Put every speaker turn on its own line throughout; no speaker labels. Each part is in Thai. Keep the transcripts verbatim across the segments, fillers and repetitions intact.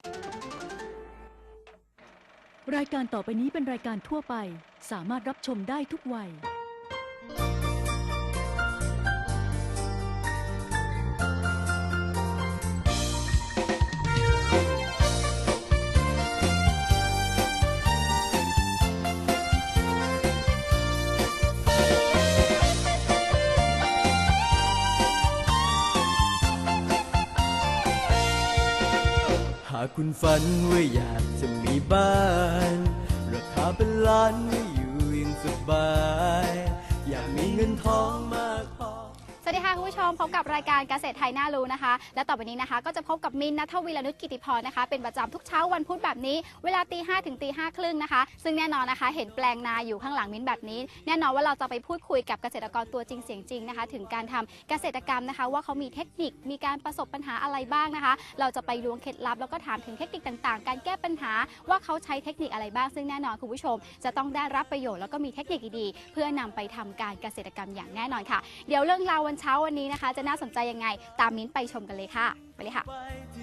รายการต่อไปนี้เป็นรายการทั่วไปสามารถรับชมได้ทุกวัย
หากคุณฝันว่าอยากจะมีบ้านราคาเป็นล้านไม่อยู่อย่างสบายอยากมีเงินทองมากพอ
สวัสดีค่ะคุณผู้ชมพบกับรายการเกษตรไทยน่ารู้นะคะและต่อไปนี้นะคะก็จะพบกับมินท์ ณัฐวีรนุชกิติพรนะคะเป็นประจำทุกเช้าวันพุธแบบนี้เวลาตีห้าถึงตีห้าครึ่งนะคะซึ่งแน่นอนนะคะเห็นแปลงนาอยู่ข้างหลังมินท์แบบนี้แน่นอนว่าเราจะไปพูดคุยกับเกษตรกรตัวจริงเสียงจริงนะคะถึงการทำเกษตรกรรมนะคะว่าเขามีเทคนิคมีการประสบปัญหาอะไรบ้างนะคะเราจะไปล้วงเคล็ดลับแล้วก็ถามถึงเทคนิคต่างๆการแก้ปัญหาว่าเขาใช้เทคนิคอะไรบ้างซึ่งแน่นอนคุณผู้ชมจะต้องได้รับประโยชน์แล้วก็มีเทคนิคดีๆเพื่อนำไปทำการเกษตรกรรมอย่างแน่นอนค่ะเดี๋ยวเรื่องราววันเช้าวันนี้นะคะจะน่าสนใจยังไงตามมิ้นไปชมกันเลยค่ะไปเลยค่ะ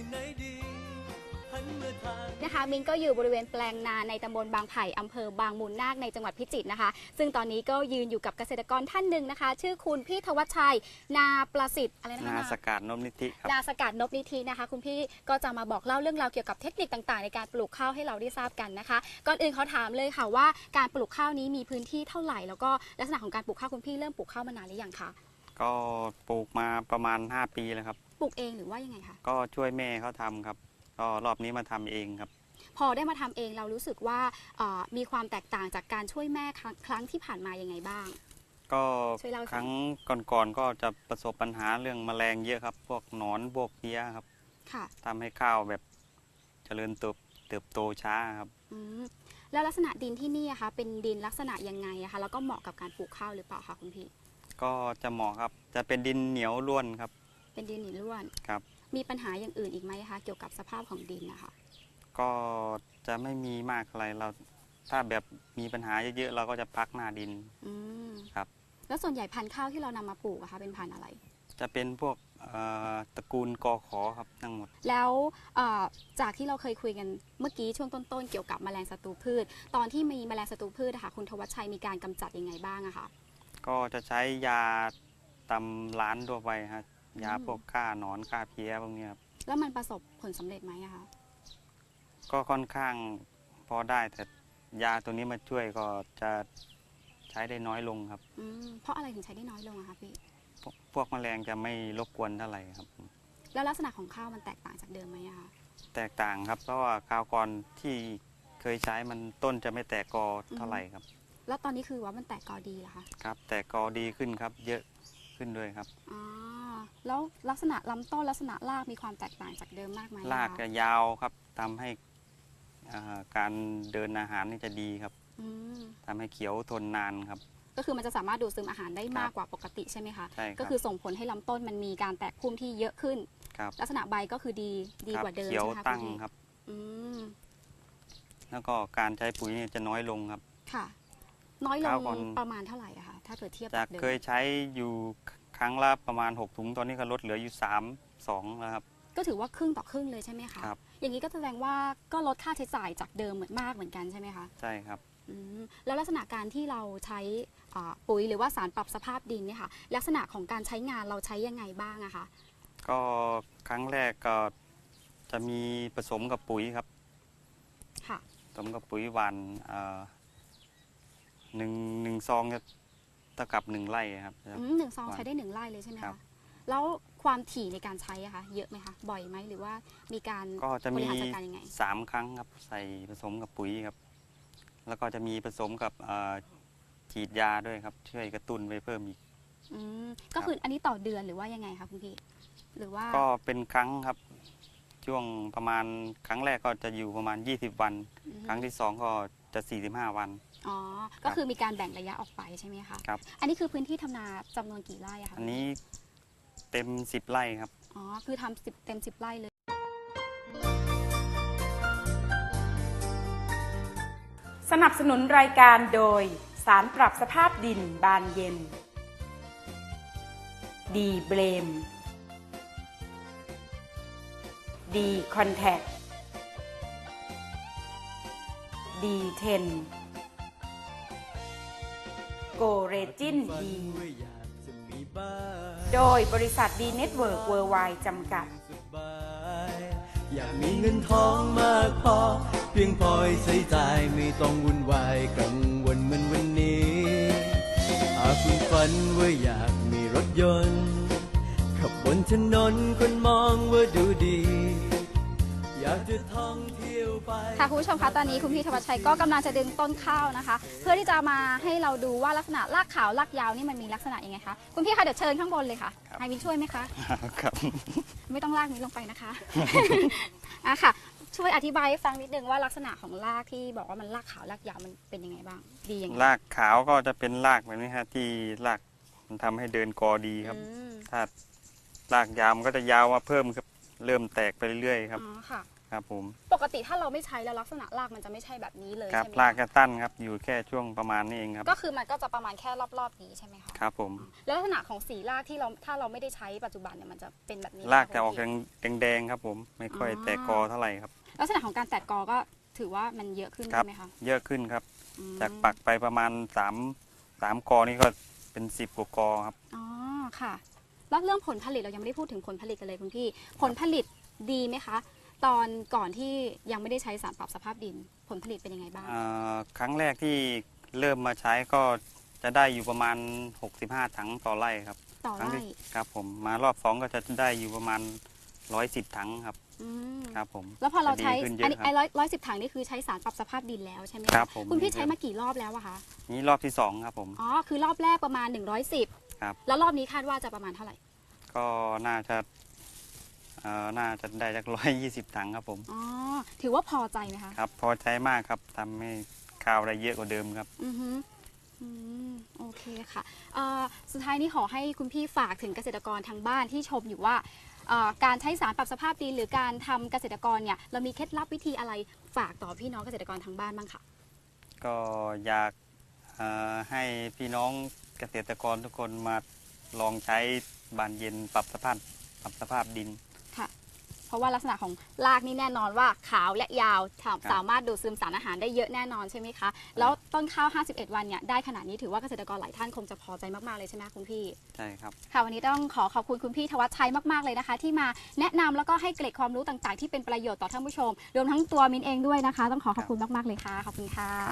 นะคะมิ้นก็อยู่บริเวณแปลงนาในตำบลบางไผ่อำเภอบางมูลนาคในจังหวัดพิจิตรนะคะซึ่งตอนนี้ก็ยืนอยู่กับเกษตรกรท่านหนึ่งนะคะชื่อคุณพี่ธวัชชัยนาประสิทธิ์อะไรนะคะ
นาสกัดนพนิธิครับ
นาสกัดนพนิธินะคะคุณพี่ก็จะมาบอกเล่าเรื่องราวเกี่ยวกับเทคนิคต่างๆในการปลูกข้าวให้เราได้ทราบกันนะคะก่อนอื่นเขาถามเลยค่ะว่าการปลูกข้าวนี้มีพื้นที่เท่าไหร่แล้วก็ลักษณะของการปลูกข้าวคุณพี่เริ่มปลูกข้าวมานานหรือยังคะ
ก็ปลูกมาประมาณห้าปีแล้วครับ
ปลูกเองหรือว่ายังไงคะ
ก็ช่วยแม่เขาทำครับก็รอบนี้มาทำเองครับ
พอได้มาทำเองเรารู้สึกว่ามีความแตกต่างจากการช่วยแม่ครั้งที่ผ่านมายังไงบ้าง
ก็ครั้งก่อนๆก็จะประสบปัญหาเรื่องแมลงเยอะครับพวกหนอนพวกเพี้ยครับ
ค่ะ
ทำให้ข้าวแบบเจริญเติบเติบโตช้าครับ
แล้วลักษณะดินที่นี่คะเป็นดินลักษณะยังไงคะแล้วก็เหมาะกับการปลูกข้าวหรือเปล่าคะคุณพี่
ก็จะเหมาะครับจะเป็นดินเหนียวร่วนครับ
เป็นดินเหนียวร่วน
ครับ
มีปัญหาอย่างอื่นอีกไหมคะเกี่ยวกับสภาพของดินนะคะ
ก็จะไม่มีมากอะไรเราถ้าแบบมีปัญหาเยอะๆเราก็จะพักหน้าดินครับ
แล้วส่วนใหญ่พันธุ์ข้าวที่เรานำมาปลูกอะคะเป็นพันธุ์อะไร
จะเป็นพวกตระกูลกอขอครับทั้งหมด
แล้วจากที่เราเคยคุยกันเมื่อกี้ช่วงต้นๆเกี่ยวกับแมลงศัตรูพืชตอนที่มีแมลงศัตรูพืชนะคะคุณธวัชชัยมีการกำจัดยังไงบ้างอะคะ
ก็จะใช้ยาตำร้านทั่วไปฮะยาพวกฆ่าหนอนฆ่าเพี้ยพวกนี้ครับ
แล้วมันประสบผลสำเร็จไหมอะคะ
ก็ค่อนข้างพอได้แต่ยาตัวนี้มาช่วยก็จะใช้ได้น้อยลงครับ
เพราะอะไรถึงใช้ได้น้อยลงอะคะพี่
พวกแมลงจะไม่รบกวนเท่าไหร่ครับ
แล้วลักษณะของข้าวมันแตกต่างจากเดิมไหมอะคะ
แตกต่างครับเพราะว่าข้าวก่อนที่เคยใช้มันต้นจะไม่แตกกอเท่าไหร่ครับ
แล้วตอนนี้คือว่ามันแตกกอดีเหรอคะ
ครับแตกกอดีขึ้นครับเยอะขึ้นด้วยครับ
อ๋อแล้วลักษณะลำต้นลักษณะรากมีความแตกต่างจากเดิมมากไหม
รากจะยาวครับทำให้การเดินอาหารนี่จะดีครับทำให้เขียวทนนานครับ
ก็คือมันจะสามารถดูดซึมอาหารได้มากกว่าปกติใช่ไหมคะ
ใช่
ก็คือส่งผลให้ลำต้นมันมีการแตกพุ่มที่เยอะขึ้นลักษณะใบก็คือดีดีกว่าเดิม
เขียวตั้งครับแล้วก็การใช้ปุ๋ยจะน้อยลงครับ
ค่ะน้อยลงประมาณเท่าไหร่อะคะถ้าเกิดเทียบ
จากเคยใช้อยู่ครั้งละประมาณหกถุงตอนนี้ก็ลดเหลืออยู่สามสองแล้วครับ
ก็ถือว่าครึ่งต่อครึ่งเลยใช่ไหมคะอย่างนี้ก็แสดงว่าก็ลดค่าใช้จ่ายจากเดิมเหมือนมากเหมือนกันใช่ไหมคะ
ใช่ครับ
แล้วลักษณะการที่เราใช้ปุ๋ยหรือว่าสารปรับสภาพดินเนี่ยค่ะลักษณะของการใช้งานเราใช้ยังไงบ้างอะคะ
ก็ครั้งแรกก็จะมีผสมกับปุ๋ยครับ
ค่ะ
ผสมกับปุ๋ยหวานหนึ่งหนึ่งซองจะเท่ากับหนึ่งไร่ครับ
หนึ่งซองใช้ได้หนึ่งไร่เลยใช่ไหมคะแล้วความถี่ในการใช้อะคะเยอะไหมคะบ่อยไหมหรือว่ามีการบริหารจัดการยังไง
สามครั้งครับใส่ผสมกับปุ๋ยครับแล้วก็จะมีผสมกับฉีดยาด้วยครับช่วยกระตุ้นไปเพิ่มอีก
ก็คืออันนี้ต่อเดือนหรือว่ายังไงคะคุณพี่หรือว่า
ก็เป็นครั้งครับช่วงประมาณครั้งแรกก็จะอยู่ประมาณยี่สิบวันครั้งที่สองก็จะสี่สิบห้าวัน
อ๋อก็คือมีการแบ่งระยะออกไปใช่ไหมคะ
ครับ
อันนี้คือพื้นที่ทำนาจำนวนกี่ไร่คะ
อันนี้เต็มสิบไร่ครับ
อ๋อคือทำสิบเต็มสิบไร่เลย
สนับสนุนรายการโดยสารปรับสภาพดินบานเย็นดีเบรมดีคอนแทคดี เท็น โกเรจินดี โดยบริษัทดีเน็ตเวิร์กเวิร์ไวด์จำกัด
อยากมีเงินทองมากพอ เพียงพอให้ใช้จ่ายไม่ต้องวุ่นวายกังวลเหมือนวันนี้หากคุณฝันว่าอยากมีรถยนต์ขับบนถนนคนมองว่าดูดี อยากจะท่องเที่ยวไป
ค่ะคุณผู้ชมคะตอนนี้คุณพี่ธวัชชัยก็กำลังจะดึงต้นข้าวนะคะ เพื่อที่จะมาให้เราดูว่าลักษณะรากขาวรากยาวนี่มันมีลักษณะยังไงคะคุณพี่คะเดี๋ยวเชิญข้างบนเลยค่ะ
ครับ
ให้มินช่วยไหมคะ
ครับ
ไม่ต้องลากมินลงไปนะคะ อ่ะค่ะ ช่วยอธิบายให้ฟังนิดนึงว่าลักษณะของรากที่บอกว่ามันรากขาวรากยาวมันเป็นยังไงบ้างดียังไง
รากขาวก็จะเป็นรากแบบนี้ครับที่รากมันทำให้เดินกอดีครับ
อืม
ถ้ารากยาวมันก็จะยาวมาเพิ่มครับเริ่มแตกไปเรื่อยๆครับ
อ๋อค่ะ
ครับผม
ปกติถ้าเราไม่ใช้แล้วลักษณะรากมันจะไม่ใช่แบบนี้เลย
ครับ
ใช่ไหม
ราก
คะ
จะตั้นครับอยู่แค่ช่วงประมาณนี้เองครับ
ก็คือมันก็จะประมาณแค่รอบๆนี้ใช่ไหมคะ
ครับผม
แล้วลักษณะของสีรากที่เราถ้าเราไม่ได้ใช้ปัจจุบันเนี่ยมันจะเป็นแบบนี้ไหม
รากจะออก
คุณพี่
แดงๆครับผมไม่ค่อย
อ๋อ
แตกกอเท่าไหร่ครับ
ลักษณะของการแตกกอก็ถือว่ามันเยอะขึ้น
ครั
ใช่ไหมคะ
เยอะขึ้นครับ
อืม
จากปักไปประมาณสามสามกอนี่ก็เป็นสิบกว่ากอครับ
อ๋อค่ะแล้วเรื่องผลผลิตเรายังไม่ได้พูดถึงผลผลิตกันเลยคุณพี่ผลผลิตดีไหมคะ ตอนก่อนที่ยังไม่ได้ใช้สารปรับสภาพดิน ผลผลิตเป็นยังไงบ้าง
อ่าครั้งแรกที่เริ่มมาใช้ก็จะได้อยู่ประมาณหกสิบห้าถังต่อไร่ครับ
ต่อ
ครั้ง
ไร่
ที่ครับผมมารอบสองก็จะได้อยู่ประมาณร้อยสิบถังครับ
อืม
ครับผม
แล้วพอเราใช้
จะดีขึ้นเย
อัน
อะ
นี้
ครั
ไอ้
บ
ร้อยร้อยสิบถังนี่คือใช้สารปรับสภาพดินแล้วใช่ไหมะ
ครับผม
คุณพี่ใช้มากี่รอบแล้วอะคะ
นี่รอบที่สองครับผม
อ๋อคือรอบแรกประมาณหนึ่งร้อยสิบ
ครับ
แล้วรอบนี้คาดว่าจะประมาณเท่าไหร่
ก็น่าจะเอ่อน่าจะได้จากร้อยยี่สิบถังครับผม
อ๋อถือว่าพอใจไหมคะ
ครับพอใช้มากครับทำให้ข้าวได้เยอะกว่าเดิมครับ
อือฮึอืมโอเคค่ะเอ่อสุดท้ายนี้ขอให้คุณพี่ฝากถึงเกษตรกรทางบ้านที่ชมอยู่ว่าเอ่อการใช้สารปรับสภาพดินหรือการทำเกษตรกรเนี่ยเรามีเคล็ดลับวิธีอะไรฝากต่อพี่น้องเกษตรกรทางบ้านบ้างค่ะ
ก็อยากเอ่อให้พี่น้องเกษตรกรทุกคนมาลองใช้บานเย็นปรับสภาพปรับสภาพดิน
ค่ะ เพราะว่าลักษณะของรากนี่แน่นอนว่าขาวและยาวสาสามารถดูดซึมสารอาหารได้เยอะแน่นอนใช่ไหมคะ แล้วต้นข้าว ห้าสิบเอ็ด วันเนี่ยได้ขนาดนี้ถือว่าเกษตรกรหลายท่านคงจะพอใจมากๆเลยใช่ไหมคุณพี่
ใช่ครับ
ค่ะวันนี้ต้องขอขอบคุณคุณพี่ธวัชชัยมากๆเลยนะคะ ที่มาแนะนำแล้วก็ให้เกร็ดความรู้ต่างๆ ที่เป็นประโยชน์ต่อท่านผู้ชม รวมทั้งตัวมินเองด้วยนะคะ ต้องขอขอบคุณมากๆเลยค่ะขอบคุณค่ะ